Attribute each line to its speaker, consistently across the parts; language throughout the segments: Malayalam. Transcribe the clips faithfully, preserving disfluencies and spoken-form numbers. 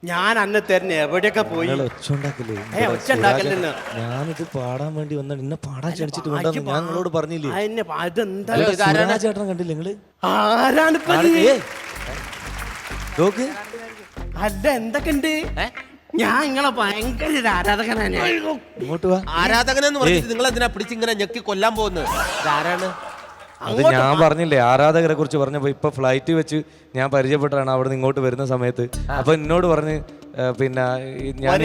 Speaker 1: ഞാൻ അന്ന് തരുന്ന എവിടെയൊക്കെ പോയി
Speaker 2: ഞാനിത് പാടാൻ വേണ്ടി വന്ന ഇന്നെ പാടാൻ ക്ഷണിച്ചിട്ട് വന്നു. ഞാൻ നിങ്ങളോട് പറഞ്ഞില്ലേ ചേട്ടൻ കണ്ടില്ല നിങ്ങള്
Speaker 1: ആരാണ്
Speaker 2: നോക്ക്
Speaker 1: അല്ല എന്തൊക്കെ ഉണ്ട്. ഞാൻ നിങ്ങളെ ഭയങ്കര ഒരു ആരാധകനാണ്.
Speaker 2: ഇങ്ങോട്ട് വാ.
Speaker 3: ആരാധകനെന്ന് പറഞ്ഞിട്ട് നിങ്ങൾ എന്തിനാ പിടിച്ചിങ്ങനെ ഞെക്കി കൊല്ലാൻ പോകുന്നത്? ആരാണ്?
Speaker 2: അത് ഞാൻ പറഞ്ഞില്ലേ ആരാധകരെ കുറിച്ച് പറഞ്ഞപ്പോ ഇപ്പൊ ഫ്ലൈറ്റ് വെച്ച് ഞാൻ പരിചയപ്പെട്ടാണ് അവിടെ നിന്ന് ഇങ്ങോട്ട് വരുന്ന സമയത്ത്. അപ്പൊ എന്നോട് പറഞ്ഞ് പിന്നെ ഞാൻ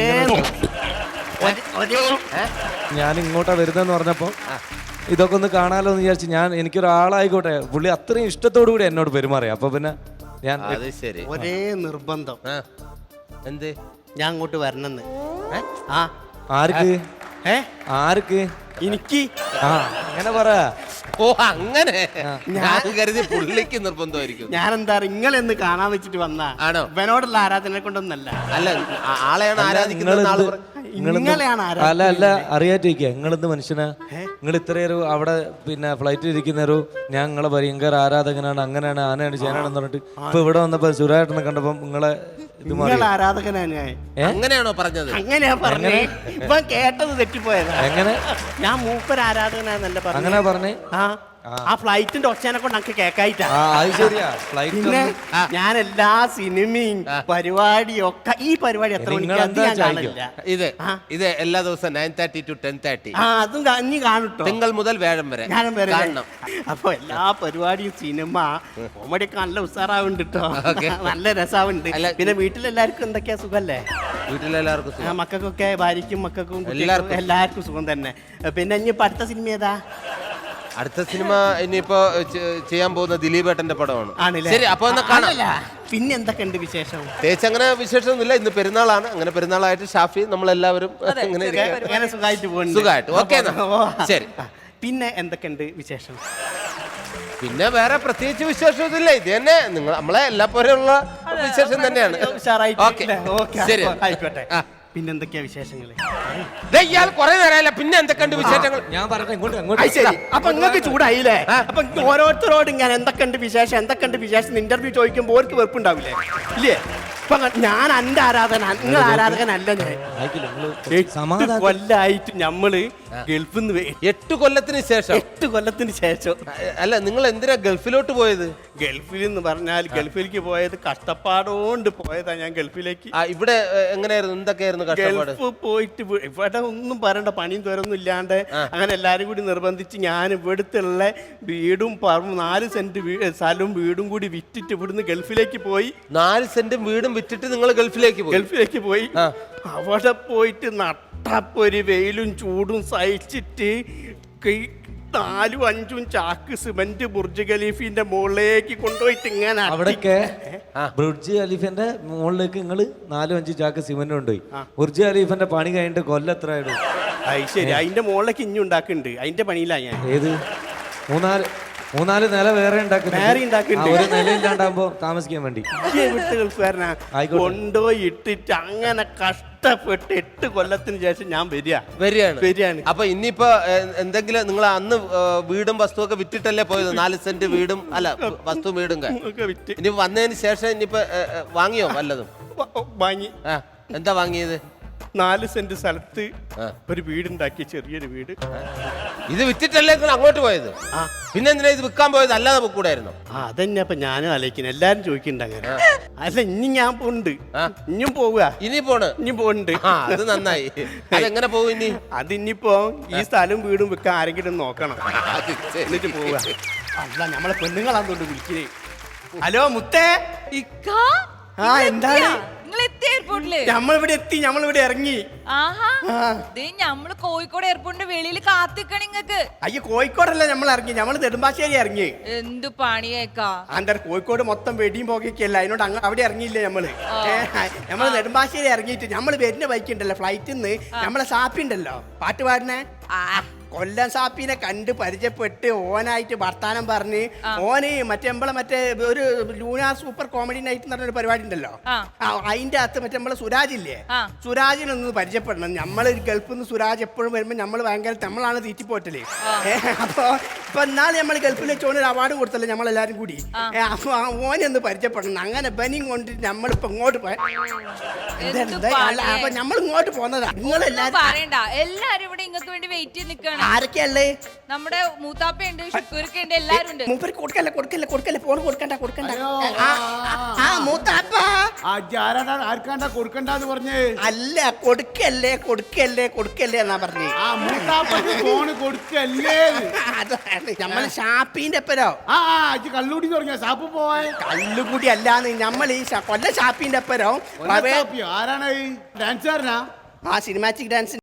Speaker 2: ഞാൻ ഇങ്ങോട്ടാ വരുന്നെന്ന് പറഞ്ഞപ്പോ ഇതൊക്കെ ഒന്ന് കാണാലോ എന്ന് വിചാരിച്ചു. ഞാൻ എനിക്കൊരാളായിക്കോട്ടെ, പുള്ളി അത്രയും ഇഷ്ടത്തോടു കൂടി എന്നോട് പെരുമാറിയ. അപ്പൊ പിന്നെ ഞാൻ
Speaker 1: ഒരേ നിർബന്ധം
Speaker 3: എന്ത്
Speaker 1: ഞാൻ അങ്ങോട്ട് വരണമെന്ന്. ആ
Speaker 2: ആർക്ക്
Speaker 1: ഏ
Speaker 2: ആർക്ക്
Speaker 1: എനിക്ക്
Speaker 2: ആ അങ്ങനെ പറ.
Speaker 3: ഓ അങ്ങനെ ഞാൻ കരുതി പുള്ളിക്ക് നിർബന്ധമായിരിക്കും.
Speaker 1: ഞാൻ എന്താ നിങ്ങളെന്ന് കാണാൻ വെച്ചിട്ട് വന്നാ
Speaker 3: ആണോ?
Speaker 1: ഇവനോടുള്ള ആരാധന കൊണ്ടൊന്നല്ല.
Speaker 3: അല്ല ആളെയാണ് ആരാധിക്കുന്നത്.
Speaker 2: അല്ല അല്ല അറിയാറ്റിരിക്കുക നിങ്ങളെന്ത് മനുഷ്യനാ? നിങ്ങൾ ഇത്രയൊരു അവിടെ പിന്നെ ഫ്ലൈറ്റിൽ ഇരിക്കുന്നൊരു ഞാൻ നിങ്ങളെ ഭയങ്കര ആരാധകനാണ്, അങ്ങനെയാണ് ആനയാണ് ചേനാണെന്ന് പറഞ്ഞിട്ട് ഇപ്പൊ ഇവിടെ വന്നപ്പോ സുരാട്ടനെ കണ്ടപ്പോ നിങ്ങളെ
Speaker 1: ആരാധകനാണ്
Speaker 3: അങ്ങനെയാണോ പറഞ്ഞത്?
Speaker 1: അങ്ങനെയാ പറഞ്ഞേ. ഇപ്പൊ കേട്ടത് തെറ്റിപ്പോയതാ.
Speaker 2: എങ്ങനെ?
Speaker 1: ഞാൻ മൂപ്പർ ആരാധകനാന്നല്ല പറഞ്ഞു.
Speaker 2: അങ്ങനെ പറഞ്ഞേ?
Speaker 1: ആ ആ ഫ്ലൈറ്റിന്റെ ഒച്ചനെ കൊണ്ട് നമുക്ക് കേക്കായിട്ടാ.
Speaker 2: പിന്നെ
Speaker 1: ഞാൻ എല്ലാ സിനിമയും പരിപാടിയും ഒക്കെ ഈ പരിപാടി എത്ര മണിക്ക്
Speaker 3: ഇത് ഇത് എല്ലാ ദിവസവും nine thirty two ten thirty
Speaker 1: ആ അതും ഇനി കാണട്ടോ.
Speaker 3: തിങ്കൾ മുതൽ വ്യാഴം വരെ
Speaker 1: ഞാനും വരെ കാണണം. അപ്പൊ എല്ലാ പരിപാടിയും സിനിമ കോമഡി ഒക്കെ നല്ല ഉഷാറാവുണ്ട് കേട്ടോ. നല്ല രസാവുണ്ട്. പിന്നെ വീട്ടിലെല്ലാവർക്കും എന്തൊക്കെയാ സുഖല്ലേ?
Speaker 3: വീട്ടിലെല്ലാവർക്കും
Speaker 1: മക്കൾക്കൊക്കെ ഭാര്യയ്ക്കും മക്കൾക്കും എല്ലാവർക്കും സുഖം തന്നെ. പിന്നെ ഇനി അടുത്ത സിനിമ ഏതാ?
Speaker 3: അടുത്ത സിനിമ ഇനിയിപ്പോ ചെയ്യാൻ പോകുന്ന ദിലീപ് ഏട്ടന്റെ പടമാണ്.
Speaker 1: ആണല്ലേ?
Speaker 3: ശരി, അപ്പൊ ഒന്ന് കാണാം.
Speaker 1: പിന്നെ എന്തൊക്കെയുണ്ട് വിശേഷം?
Speaker 3: തേച്ച് അങ്ങനെ വിശേഷമൊന്നുമില്ല. ഇന്ന് പെരുന്നാളാണ്. അങ്ങനെ പെരുന്നാളായിട്ട് ഷാഫി നമ്മളെല്ലാവരും
Speaker 1: സുഖമായിട്ട് പോകുന്നു.
Speaker 3: സുഖമായിട്ട് ഓക്കെ. ശരി,
Speaker 1: പിന്നെ എന്തൊക്കെയുണ്ട് വിശേഷം?
Speaker 3: പിന്നെ വേറെ പ്രത്യേകിച്ച് വിശേഷമൊന്നുമില്ല. ഇത് തന്നെ നിങ്ങൾ നമ്മളെ എല്ലാ പോലെയുള്ള വിശേഷം തന്നെയാണ്. ശരി,
Speaker 1: ആയിക്കോട്ടെ. പിന്നെ എന്തൊക്കെയാ വിശേഷങ്ങള്?
Speaker 3: ഇയാൾ കുറെ നേരമല്ല. പിന്നെ എന്തൊക്കെയുണ്ട് വിശേഷങ്ങൾ?
Speaker 2: ഞാൻ പറഞ്ഞ ഇങ്ങോട്ട് അങ്ങോട്ട്.
Speaker 1: ശരി, അപ്പൊ നിങ്ങൾക്ക് ചൂടായില്ലേ? അപ്പൊ ഓരോരുത്തരോട് ഇങ്ങനെ എന്തൊക്കെയുണ്ട് വിശേഷം എന്തൊക്കെയുണ്ട് വിശേഷം ഇന്റർവ്യൂ ചോദിക്കുമ്പോ ഓർക്ക് വെറുപ്പുണ്ടാവില്ലേ? ഇല്ലേ? ഇപ്പൊ ഞാൻ എന്റെ ആരാധന, നിങ്ങൾ ആരാധകനല്ല. ഞാൻ കൊല്ലായിട്ട് ഞമ്മള് ഗൾഫിൽ നിന്ന്
Speaker 3: എട്ട് കൊല്ലത്തിന് ശേഷം
Speaker 1: എട്ട് കൊല്ലത്തിന് ശേഷം
Speaker 3: അല്ല നിങ്ങൾ എന്തിനാ ഗൾഫിലോട്ട് പോയത്?
Speaker 1: ഗൾഫിൽ എന്ന് പറഞ്ഞാൽ ഗൾഫിലേക്ക് പോയത് കഷ്ടപ്പാടോണ്ട് പോയതാ. ഞാൻ ഗൾഫിലേക്ക്.
Speaker 3: ഇവിടെ എങ്ങനെയായിരുന്നു? എന്തൊക്കെയായിരുന്നു കഷ്ടപ്പാട്?
Speaker 1: ഗൾഫ് പോയിട്ട് ഇവിടെ ഒന്നും പറയണ്ട, പണിയും തോരൊന്നും ഇല്ലാണ്ട് അങ്ങനെ എല്ലാരും കൂടി നിർബന്ധിച്ച് ഞാൻ ഇവിടുത്തെ ഉള്ള വീടും പറമ്പും നാല് സെന്റ് സ്ഥലവും വീടും കൂടി വിറ്റിട്ട് ഇവിടുന്ന് ഗൾഫിലേക്ക് പോയി.
Speaker 3: നാല് സെന്റും വീടും വിറ്റിട്ട് നിങ്ങൾ ഗൾഫിലേക്ക് പോയി?
Speaker 1: ഗൾഫിലേക്ക് പോയി. അവിടെ പോയിട്ട് നട്ടപ്പൊരു വെയിലും ചൂടും സഹിച്ചിട്ട് നാലും അഞ്ചും ചാക്ക് സിമന്റ് ബുർജ് ഖലീഫിന്റെ മുകളിലേക്ക് കൊണ്ടുപോയിട്ട് ഇങ്ങനെ
Speaker 2: അവിടേക്ക് ബുർജ് ഖലീഫിന്റെ മുകളിലേക്ക് നിങ്ങൾ നാലും അഞ്ചും ചാക്ക് സിമന്റ് കൊണ്ടുപോയി. ബുർജ് ഖലീഫിന്റെ പണി കഴിഞ്ഞിട്ട് കൊല്ലം എത്ര ആയിരുന്നു?
Speaker 1: അത് ശരി, അതിന്റെ മുകളിലേക്ക് ഇഞ്ഞു ഉണ്ടാക്കുന്നുണ്ട്. അതിന്റെ പണിയിലാ ഞാൻ.
Speaker 2: ഏത് മൂന്നാല് മൂന്നാല് നില വേറെ ഒരു നിലയില്ലാണ്ടാകുമ്പോ താമസിക്കാൻ വേണ്ടി
Speaker 1: ഗൾഫുകാരനാ കൊണ്ടുപോയി ഇട്ടിട്ട് അങ്ങനെ കഷ്ടപ്പെട്ട് എട്ട് കൊല്ലത്തിന് ശേഷം ഞാൻ വരിക
Speaker 3: വരികയാണ്
Speaker 1: വരികയാണ്
Speaker 3: അപ്പൊ ഇനിയിപ്പോ എന്തെങ്കിലും നിങ്ങൾ അന്ന് വീടും വസ്തു ഒക്കെ വിറ്റിട്ടല്ലേ പോയത്? നാല് സെന്റ് വീടും അല്ല വസ്തു വീടും വിറ്റ് ഇനി വന്നതിന് ശേഷം ഇനിയിപ്പോ വാങ്ങിയോ വല്ലതും?
Speaker 1: വാങ്ങി.
Speaker 3: എന്താ വാങ്ങിയത്?
Speaker 1: നാല് സെന്റ് സ്ഥലത്ത് ഒരു വീടുണ്ടാക്കി, ചെറിയൊരു വീട്.
Speaker 3: ഇത് വിറ്റിട്ടല്ലേ അങ്ങോട്ട് പോയത്? പിന്നെ എന്തിനാ ഇത് വിൽക്കാൻ പോയത്? അല്ലാതെ കൂടായിരുന്നു?
Speaker 1: അതന്നെ അപ്പൊ ഞാനും ആലോചിക്കുന്നു. എല്ലാരും ചോദിക്കണ്ട അങ്ങനെ. അല്ല ഇനി ഞാൻ പോണ്ട്, ഇനിയും പോവുക.
Speaker 3: ഇനി പോണ്?
Speaker 1: ഇനി പോണ്ട്.
Speaker 3: അത് നന്നായി. അതെങ്ങനെ പോകും ഇനി?
Speaker 1: അതിനിപ്പോ ഈ സ്ഥലവും വീടും വിൽക്കാൻ ആരെങ്കിലും നോക്കണം, എന്നിട്ട് പോവുക. അല്ല നമ്മളെ പെണ്ണുങ്ങളാന്നോണ്ട് വിളിക്കുന്നേ. ഹലോ മുത്തേ. ആ എന്താണ്? നമ്മളിവിടെ എത്തി, നമ്മളിവിടെ ഇറങ്ങി.
Speaker 4: നമ്മള് കോഴിക്കോട് എയർപോർട്ടിന്റെ വെളിയിൽ കാത്തിക്കണ നിങ്ങക്ക്.
Speaker 1: അയ്യോ കോഴിക്കോടല്ല നമ്മൾ ഇറങ്ങി, നമ്മള് നെടുമ്പാശ്ശേരി ഇറങ്ങി.
Speaker 4: എന്ത് പണിയേക്കാ?
Speaker 1: അന്റെ കോഴിക്കോട് മൊത്തം വെടിയും പോകയൊക്കെയല്ല, അതിനോട് അങ്ങ് അവിടെ ഇറങ്ങിയില്ലേ നമ്മള്. നമ്മള് നെടുമ്പാശ്ശേരി ഇറങ്ങിയിട്ട് നമ്മള് വരുന്ന ബൈക്ക് ഉണ്ടല്ലോ, ഫ്ലൈറ്റിൽ നിന്ന് നമ്മളെ സാപ്പി ഉണ്ടല്ലോ പാട്ടുപാടിനെ, കൊല്ലം സാപ്പിനെ കണ്ട് പരിചയപ്പെട്ട് ഓനായിട്ട് വർത്താനം പറഞ്ഞ് ഓന് മറ്റേ നമ്മളെ മറ്റേ ഒരു ലൂന സൂപ്പർ കോമഡി നൈറ്റ് എന്ന് പറഞ്ഞൊരു പരിപാടി ഉണ്ടല്ലോ, അതിന്റെ അകത്ത് മറ്റേ നമ്മളെ സുരാജ് ഇല്ലേ, സുരാജിനൊന്ന് പരിചയപ്പെടണം. നമ്മള് ഗൾഫിൽ നിന്ന് സുരാജ് എപ്പോഴും വരുമ്പോ നമ്മള് ഭയങ്കര നമ്മളാണ് തീറ്റിപ്പോറ്റല്. അപ്പൊ അപ്പൊ എന്നാൾ നമ്മൾ ഗൾഫിൽ വെച്ച് ഓനൊരു അവാർഡ് കൊടുത്തല്ലോ നമ്മളെല്ലാരും കൂടി ഏ, അപ്പൊ ആ ഓനെ ഒന്ന് പരിചയപ്പെടണം അങ്ങനെ ബനിയും കൊണ്ട് നമ്മളിപ്പോ ഇങ്ങോട്ട് പോയ
Speaker 4: എന്ത്
Speaker 1: അല്ല അപ്പൊ നമ്മൾ ഇങ്ങോട്ട് പോന്നതാ നിങ്ങളെല്ലാരും
Speaker 4: പറയണ്ട എല്ലാരും ഇവിടെ ഇങ്ങക്ക് വേണ്ടി വെയിറ്റ് ചെയ്ത് നിക്കാണ്
Speaker 1: ആരൊക്കെയല്ലേ
Speaker 4: നമ്മുടെ മൂത്താപ്പയുണ്ട് ഷുക്കൂർക്കുണ്ട് എല്ലാരും ഉണ്ട്
Speaker 1: മൂപ്പര് കൊടുക്കല്ല കൊടുക്കല്ല കൊടുക്കല്ല ഫോൺ കൊടുക്കണ്ട കൊടുക്കണ്ട ആ, ആ മൂത്താപ്പ
Speaker 5: ആർക്കാണ്ടാ കൊടുക്കണ്ടെന്ന് പറഞ്ഞേ
Speaker 1: അല്ല കൊടുക്കല്ലേ കൊടുക്കല്ലേ കൊടുക്കല്ലേ എന്നാ പറഞ്ഞേ
Speaker 5: ആ മൂത്താപ്പക്ക് ഫോണ് കൊടുക്കല്ലേ
Speaker 1: അതാണ് നമ്മള് ഷാപ്പിന്റെ അപ്പരോ
Speaker 5: ആ ആ അജ് കള്ളൂടി തുടങ്ങിയ സാപ്പ് പോയെ
Speaker 1: കല്ലുകൂടി അല്ലാന്ന് നമ്മൾ ഈ ഷ- കൊല്ല ഷാപ്പിന്റെ അപ്പരോ
Speaker 5: ആരാണ് ഡാൻസുകാരനാ
Speaker 1: ആ സിനിമാറ്റിക് ഡാൻസ്